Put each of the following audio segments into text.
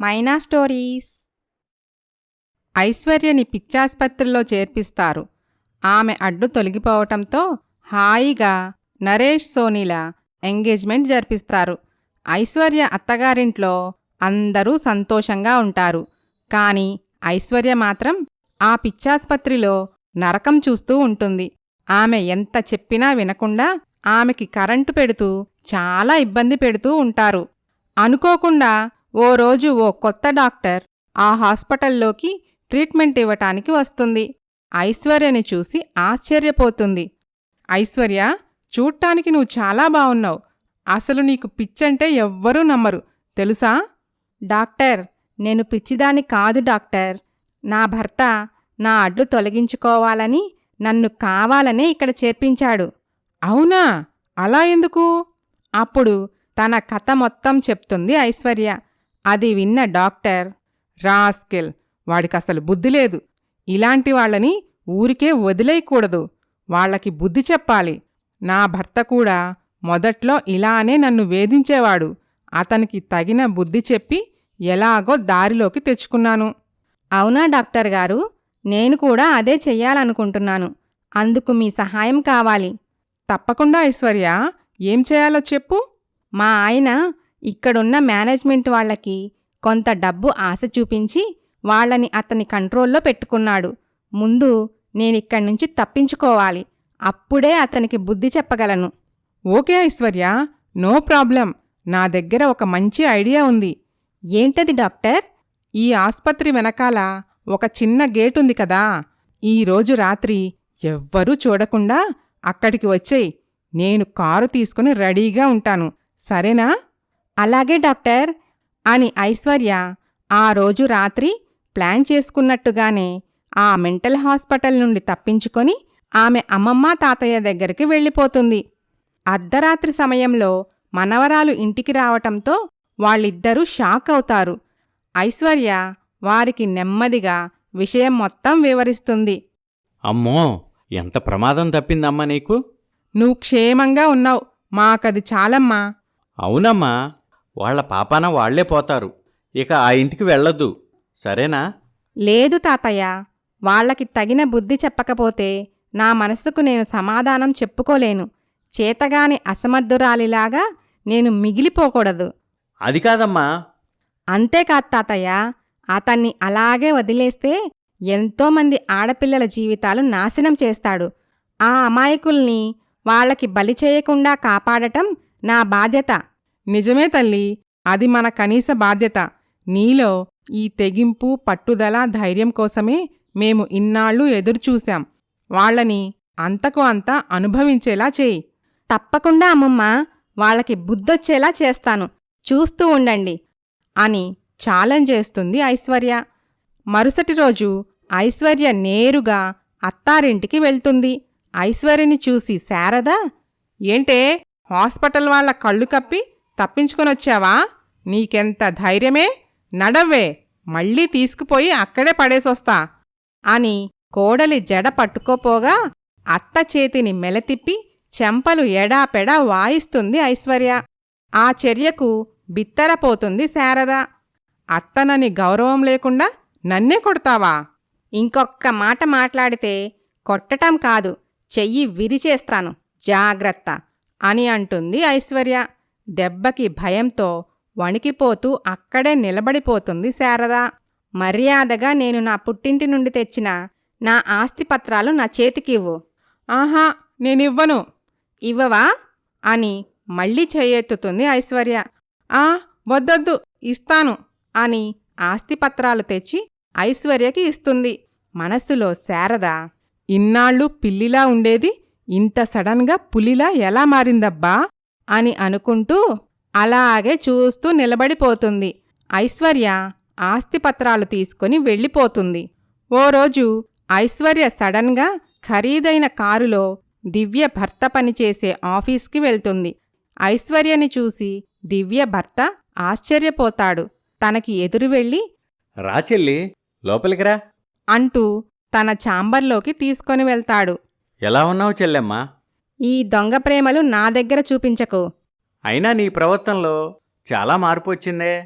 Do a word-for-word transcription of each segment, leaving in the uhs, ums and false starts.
మైనా stories. ఐశ్వర్యని పిచ్చాస్పత్రిలో చేర్పిస్తారు. ఆమె అడ్డు తొలగిపోవటంతో హాయిగా నరేష్ సోనీల ఎంగేజ్మెంట్ జరిపిస్తారు. ఐశ్వర్య అత్తగారింట్లో అందరూ సంతోషంగా ఉంటారు. కాని ఐశ్వర్య మాత్రం ఆ పిచ్చాస్పత్రిలో నరకం చూస్తూ ఉంటుంది. ఆమె ఎంత చెప్పినా వినకుండా ఆమెకి కరెంటు పెడుతూ చాలా ఇబ్బంది పెడుతూ ఉంటారు. అనుకోకుండా ఓ రోజు ఓ కొత్త డాక్టర్ ఆ హాస్పిటల్లోకి ట్రీట్మెంట్ ఇవ్వటానికి వస్తుంది. ఐశ్వర్యని చూసి ఆశ్చర్యపోతుంది. ఐశ్వర్య, చూడ్టానికి నువ్వు చాలా బావున్నావు. అసలు నీకు పిచ్చంటే ఎవ్వరూ నమ్మరు, తెలుసా? డాక్టర్, నేను పిచ్చిదాన్ని కాదు డాక్టర్. నా భర్త నా అడ్డు తొలగించుకోవాలని నన్ను కావాలనే ఇక్కడ చేర్పించాడు. అవునా? అలా ఎందుకు? అప్పుడు తన కథ మొత్తం చెప్తుంది ఐశ్వర్య. అది విన్న డాక్టర్, రాస్కెల్, వాడికసలు బుద్ధి లేదు. ఇలాంటి వాళ్ళని ఊరికే వదిలేయకూడదు. వాళ్లకి బుద్ధి చెప్పాలి. నా భర్త కూడా మొదట్లో ఇలానే నన్ను వేధించేవాడు. అతనికి తగిన బుద్ధి చెప్పి ఎలాగో దారిలోకి తెచ్చుకున్నాను. అవునా డాక్టర్ గారు? నేను కూడా అదే చెయ్యాలనుకుంటున్నాను. అందుకు మీ సహాయం కావాలి. తప్పకుండా ఐశ్వర్య, ఏం చేయాలో చెప్పు. మా ఆయన ఇక్కడున్న మేనేజ్మెంట్ వాళ్లకి కొంత డబ్బు ఆశ చూపించి వాళ్లని అతని కంట్రోల్లో పెట్టుకున్నాడు. ముందు నేనిక్కడి నుంచి తప్పించుకోవాలి. అప్పుడే అతనికి బుద్ధి చెప్పగలను. Okay Aishwarya, no problem. నా దగ్గర ఒక మంచి ఐడియా ఉంది. ఏంటది డాక్టర్? ఈ ఆస్పత్రి వెనకాల ఒక చిన్న గేటుంది కదా, ఈరోజు రాత్రి ఎవ్వరూ చూడకుండా అక్కడికి వచ్చేయ్. నేను కారు తీసుకుని రెడీగా ఉంటాను, సరేనా? అలాగే డాక్టర్ అని ఐశ్వర్య ఆ రోజు రాత్రి ప్లాన్ చేసుకున్నట్టుగానే ఆ మెంటల్ హాస్పిటల్ నుండి తప్పించుకొని ఆమె అమ్మమ్మ తాతయ్య దగ్గరికి వెళ్ళిపోతుంది. అర్ధరాత్రి సమయంలో మనవరాలు ఇంటికి రావటంతో వాళ్ళిద్దరూ షాక్ అవుతారు. ఐశ్వర్య వారికి నెమ్మదిగా విషయం మొత్తం వివరిస్తుంది. అమ్మో, ఎంత ప్రమాదం తప్పిందమ్మా నీకు? నువ్వు క్షేమంగా ఉన్నావు, మాకది చాలమ్మా. అవునమ్మా, వాళ్ల పాపాన వాళ్లే పోతారు. ఇక ఆ ఇంటికి వెళ్ళొద్దు, సరేనా? లేదు తాతయ్య, వాళ్లకి తగిన బుద్ధి చెప్పకపోతే నా మనసుకు నేను సమాధానం చెప్పుకోలేను. చేతగాని అసమర్థురాలిలాగా నేను మిగిలిపోకూడదు. అది కాదమ్మా. అంతేకాదు తాతయ్య, అతన్ని అలాగే వదిలేస్తే ఎంతోమంది ఆడపిల్లల జీవితాలు నాశనం చేస్తాడు. ఆ అమాయకుల్ని వాళ్లకి బలి చేయకుండా కాపాడటం నా బాధ్యత. నిజమే తల్లి, అది మన కనీస బాధ్యత. నీలో ఈ తెగింపు, పట్టుదల, ధైర్యం కోసమే మేము ఇన్నాళ్ళు ఎదురుచూశాం. వాళ్లని అంతకు అంతా అనుభవించేలా చేయి. తప్పకుండా అమ్మమ్మ, వాళ్లకి బుద్ధొచ్చేలా చేస్తాను, చూస్తూ ఉండండి అని ఛాలెంజ్ చేస్తుంది ఐశ్వర్య. మరుసటి రోజు ఐశ్వర్య నేరుగా అత్తారింటికి వెళ్తుంది. ఐశ్వర్యని చూసి శారద, ఏంటే హాస్పిటల్ వాళ్ల కళ్ళు కప్పి తప్పించుకొనొచ్చావా? నీకెంత ధైర్యమే? నడవ్వే, మళ్ళీ తీసుకుపోయి అక్కడే పడేసొస్తా అని కోడలి జడ పట్టుకోపోగా అత్త చేతిని మెలతిప్పి చెంపలు ఎడాపెడా వాయిస్తుంది ఐశ్వర్య. ఆ చర్యకు బిత్తరపోతుంది శారద. అత్తనని గౌరవం లేకుండా నన్నే కొడతావా? ఇంకొక్క మాట మాట్లాడితే కొట్టటం కాదు, చెయ్యి విరిచేస్తాను, జాగ్రత్త అని అంటుంది ఐశ్వర్య. దెబ్బకి భయంతో వణికిపోతూ అక్కడే నిలబడిపోతుంది శారద. మర్యాదగా నేను నా పుట్టింటి నుండి తెచ్చిన నా ఆస్తిపత్రాలు నా చేతికివ్వు. ఆహా, నేనివ్వను. ఇవ్వవా? అని మళ్ళీ చెయ్యెత్తుతుంది ఐశ్వర్య. ఆ వద్దొద్దు, ఇస్తాను అని ఆస్తిపత్రాలు తెచ్చి ఐశ్వర్యకి ఇస్తుంది. మనస్సులో శారద, ఇన్నాళ్ళు పిల్లిలా ఉండేది ఇంత సడన్గా పులిలా ఎలా మారిందబ్బా అని అనుకుంటూ అలాగే చూస్తూ నిలబడిపోతుంది. ఐశ్వర్య ఆస్తిపత్రాలు తీసుకుని వెళ్ళిపోతుంది. ఓ రోజు ఐశ్వర్య సడన్గా ఖరీదైన కారులో దివ్య భర్త పనిచేసే ఆఫీస్కి వెళ్తుంది. ఐశ్వర్యని చూసి దివ్య భర్త ఆశ్చర్యపోతాడు. తనకి ఎదురు వెళ్ళి, రా చెల్లి, లోపలికి రా అంటూ తన ఛాంబర్లోకి తీసుకొని వెళ్తాడు. ఎలా ఉన్నావు చెల్లెమ్మా? ఈ దొంగ ప్రేమలు నా దగ్గర చూపించకు. అయినా నీ ప్రవర్తనలో చాలా మార్పు వచ్చిందే.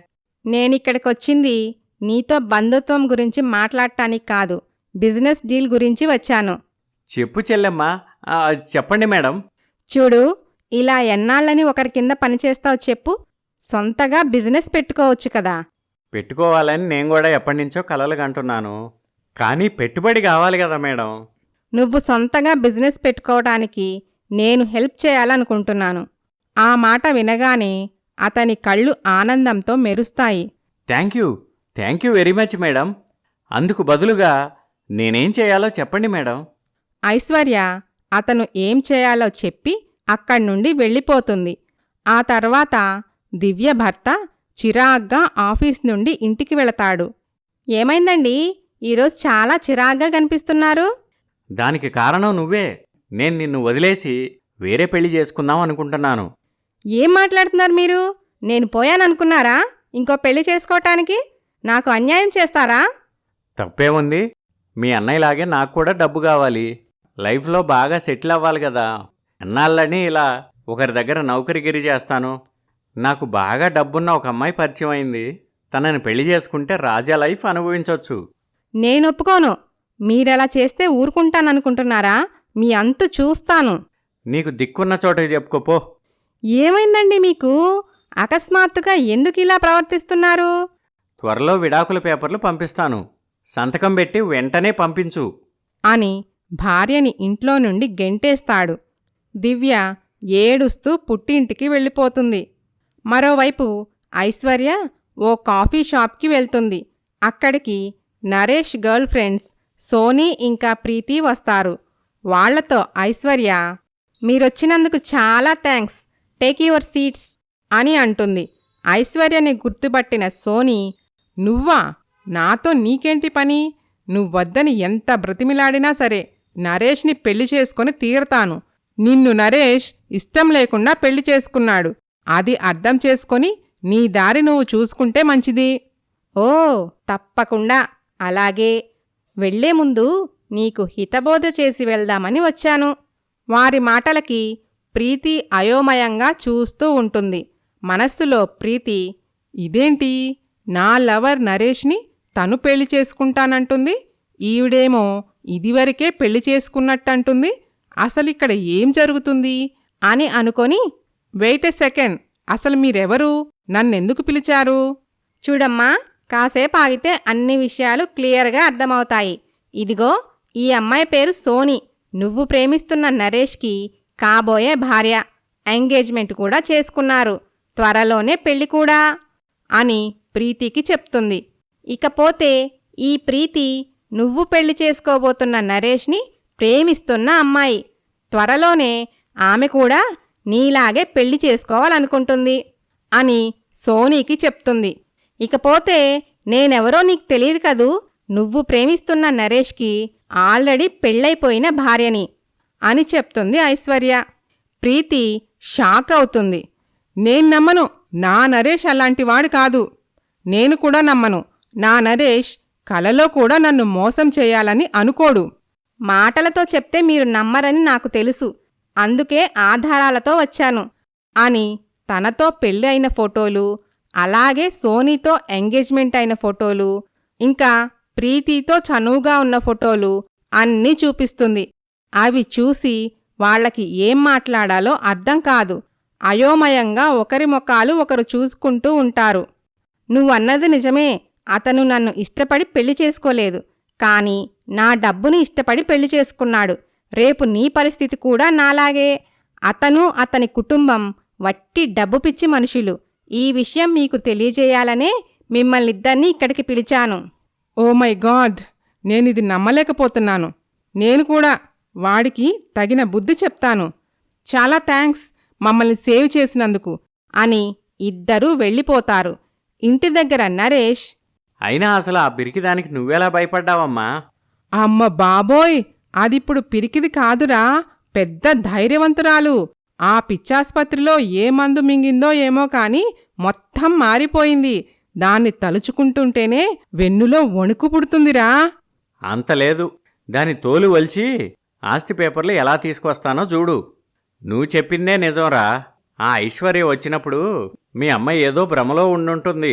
నేనిక్కడికొచ్చింది నీతో బంధుత్వం గురించి మాట్లాడటానికి కాదు, బిజినెస్ డీల్ గురించి వచ్చాను. చెప్పు చెల్లెమ్మా. ఆ, చెప్పండి మేడం. చూడు, ఇలా ఎన్నాళ్ళని ఒకరి కింద పనిచేస్తావు చెప్పు? సొంతగా బిజినెస్ పెట్టుకోవచ్చు కదా. పెట్టుకోవాలని నేను కూడా ఎప్పటినుంచో కలలు కంటున్నాను. కానీ పెట్టుబడి కావాలి కదా మేడం. నువ్వు సొంతగా బిజినెస్ పెట్టుకోవడానికి నేను హెల్ప్ చేయాలనుకుంటున్నాను. ఆ మాట వినగానే అతని కళ్ళు ఆనందంతో మెరుస్తాయి. Thank you thank you very much madam. అందుకు బదులుగా నేనేం చేయాలో చెప్పండి మేడం. ఐశ్వర్య అతను ఏం చేయాలో చెప్పి అక్కడ్నుండి వెళ్ళిపోతుంది. ఆ తర్వాత దివ్య భర్త చిరాగ్గా ఆఫీస్ నుండి ఇంటికి వెళతాడు. ఏమైందండి, ఈరోజు చాలా చిరాగ్గా కనిపిస్తున్నారు? దానికి కారణం నువ్వే. నేను నిన్ను వదిలేసి వేరే పెళ్లి చేసుకుందాం అనుకుంటున్నాను. ఏం మాట్లాడుతున్నారు మీరు? నేను పోయాననుకున్నారా ఇంకో పెళ్లి చేసుకోవటానికి? నాకు అన్యాయం చేస్తారా? తప్పేముంది? మీ అన్నయ్యలాగే నాకు కూడా డబ్బు కావాలి. లైఫ్లో బాగా సెటిల్ అవ్వాలి కదా. ఎన్నాళ్ళని ఇలా ఒకరి దగ్గర నౌకరిగిరి చేస్తాను. నాకు బాగా డబ్బున్న ఒక అమ్మాయి పరిచయం అయింది. తనని పెళ్లి చేసుకుంటే రాజా లైఫ్ అనుభవించవచ్చు. నేను ఒప్పుకోను. మీరెలా చేస్తే ఊరుకుంటాననుకుంటున్నారా? మీ అంతు చూస్తాను. నీకు దిక్కున్న చోటకి చెప్పుకోపో. ఏమైందండి మీకు? అకస్మాత్తుగా ఎందుకిలా ప్రవర్తిస్తున్నారు? త్వరలో విడాకుల పేపర్లు పంపిస్తాను. సంతకం పెట్టి వెంటనే పంపించు అని భార్యని ఇంట్లో నుండి గెంటేస్తాడు. దివ్య ఏడుస్తూ పుట్టింటికి వెళ్ళిపోతుంది. మరోవైపు ఐశ్వర్య ఓ కాఫీ షాప్కి వెళ్తుంది. అక్కడికి నరేష్ గర్ల్ ఫ్రెండ్స్ సోనీ ఇంకా ప్రీతి వస్తారు. వాళ్లతో ఐశ్వర్య, మీరొచ్చినందుకు చాలా థ్యాంక్స్, టేక్ యువర్ సీట్స్ అని అంటుంది. ఐశ్వర్యని గుర్తుపట్టిన సోనీ, నువ్వా? నాతో నీకేంటి పని? నువ్వొద్దని ఎంత బ్రతిమిలాడినా సరే నరేష్ని పెళ్లి చేసుకొని తీరతాను. నిన్ను నరేష్ ఇష్టం లేకుండా పెళ్లి చేసుకున్నాడు. అది అర్థం చేసుకొని నీ దారి నువ్వు చూసుకుంటే మంచిది. ఓ తప్పకుండా, అలాగే. వెళ్లే ముందు నీకు హితబోధ చేసి వెళ్దామని వచ్చాను. వారి మాటలకి ప్రీతి అయోమయంగా చూస్తూ ఉంటుంది. మనస్సులో ప్రీతి, ఇదేంటి, నా లవర్ నరేష్ని తను పెళ్లి చేసుకుంటానంటుంది, ఈవిడేమో ఇదివరకే పెళ్లి చేసుకున్నట్టంటుంది. అసలిక్కడ ఏం జరుగుతుంది అని అనుకొని, వెయిట్ ఎ సెకండ్, అసలు మీరెవరు? నన్నెందుకు పిలిచారు? చూడమ్మా, కాసేపు ఆగితే అన్ని విషయాలు క్లియర్గా అర్థమవుతాయి. ఇదిగో, ఈ అమ్మాయి పేరు సోనీ. నువ్వు ప్రేమిస్తున్న నరేష్కి కాబోయే భార్య. ఎంగేజ్మెంట్ కూడా చేసుకున్నారు. త్వరలోనే పెళ్లి కూడా అని ప్రీతికి చెప్తుంది. ఇకపోతే ఈ ప్రీతి నువ్వు పెళ్లి చేసుకోబోతున్న నరేష్ని ప్రేమిస్తున్న అమ్మాయి. త్వరలోనే ఆమె కూడా నీలాగే పెళ్లి చేసుకోవాలనుకుంటుంది అని సోనీకి చెప్తుంది. ఇకపోతే నేనెవరో నీకు తెలియదు కదూ, నువ్వు ప్రేమిస్తున్న నరేష్కి ఆల్రెడీ పెళ్ళైపోయిన భార్యని అని చెప్తుంది ఐశ్వర్య. ప్రీతి షాక్ అవుతుంది. నేను నమ్మను. నా నరేష్ అలాంటివాడు కాదు. నేను కూడా నమ్మను. నా నరేష్ కలలో కూడా నన్ను మోసం చేయాలని అనుకోడు. మాటలతో చెప్తే మీరు నమ్మరని నాకు తెలుసు, అందుకే ఆధారాలతో వచ్చాను అని తనతో పెళ్ళి అయిన ఫోటోలు, అలాగే సోనీతో ఎంగేజ్మెంట్ అయిన ఫోటోలు, ఇంకా ప్రీతితో చనువుగా ఉన్న ఫోటోలు అన్నీ చూపిస్తుంది. అవి చూసి వాళ్లకి ఏం మాట్లాడాలో అర్థం కాదు. అయోమయంగా ఒకరి ముఖాలు ఒకరు చూసుకుంటూ ఉంటారు. నువ్వన్నది నిజమే, అతను నన్ను ఇష్టపడి పెళ్లి చేసుకోలేదు, కానీ నా డబ్బుని ఇష్టపడి పెళ్లి చేసుకున్నాడు. రేపు నీ పరిస్థితి కూడా నాలాగే. అతను అతని కుటుంబం వట్టి డబ్బు పిచ్చి మనుషులు. ఈ విషయం మీకు తెలియజేయాలనే మిమ్మల్నిద్దరినీ ఇక్కడికి పిలిచాను. ఓ మై గాడ్, నేనిది నమ్మలేకపోతున్నాను. నేను కూడా వాడికి తగిన బుద్ధి చెప్తాను. చాలా థ్యాంక్స్ మమ్మల్ని సేవ్ చేసినందుకు అని ఇద్దరూ వెళ్ళిపోతారు. ఇంటి దగ్గర నరేష్, అయినా అసలు ఆ పిరికిదానికి నువ్వెలా భయపడ్డావమ్మా? అమ్మ బాబోయ్, అదిప్పుడు పిరికిది కాదురా, పెద్ద ధైర్యవంతురాలు. ఆ పిచ్చాస్పత్రిలో ఏ మందు మింగిందో ఏమో కాని మొత్తం మారిపోయింది. దాన్ని తలుచుకుంటుంటేనే వెన్నులో వణుకు పుడుతుందిరా. అంతలేదు, దాని తోలు వలిచి ఆస్తి పేపర్లు ఎలా తీసుకొస్తానో చూడు. నువ్వు చెప్పిందే నిజంరా. ఆ ఐశ్వర్య వచ్చినప్పుడు మీ అమ్మాయి ఏదో భ్రమలో ఉండుంటుంది.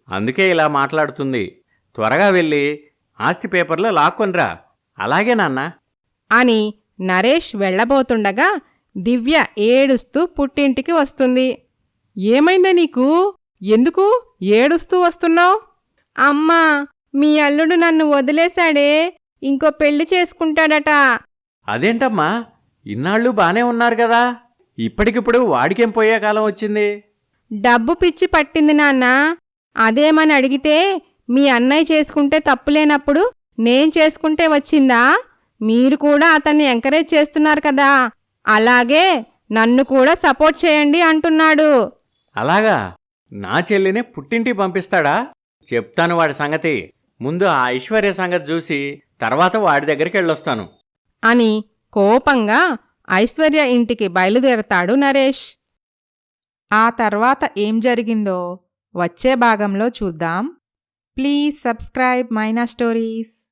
అందుకే ఇలా మాట్లాడుతుంది. త్వరగా వెళ్ళి ఆస్తి పేపర్లో లాక్కొనిరా. అలాగే నాన్న. అని నరేష్ వెళ్ళబోతుండగా దివ్య ఏడుస్తూ పుట్టింటికి వస్తుంది. ఏమైందా నీకు? ఎందుకు ఏడుస్తూ వస్తున్నావు? అమ్మా, మీ అల్లుడు నన్ను వదిలేశాడే, ఇంకో పెళ్లి చేసుకుంటాడట. అదేంటమ్మా, ఇన్నాళ్ళు బానే ఉన్నారు కదా, ఇప్పటికిప్పుడు వాడికేం పోయే కాలం వచ్చింది? డబ్బు పిచ్చి పట్టింది నాన్న. అదేమని అడిగితే మీ అన్నయ్య చేసుకుంటే తప్పులేనప్పుడు నేను చేసుకుంటే వచ్చిందా? మీరు కూడా అతన్ని ఎంకరేజ్ చేస్తున్నారు కదా, అలాగే నన్ను కూడా సపోర్ట్ చేయండి అంటున్నాడు. అలాగా? నా చెల్లిని పుట్టింటికి పంపిస్తాడా? చెప్తాను వాడి సంగతి. ముందు ఆ ఐశ్వర్య సంగతి చూసి తర్వాత వాడి దగ్గరికి వెళ్ళొస్తాను అని కోపంగా ఐశ్వర్య ఇంటికి బయలుదేరతాడు నరేష్. ఆ తర్వాత ఏం జరిగిందో వచ్చే భాగంలో చూద్దాం. Please subscribe Maina stories.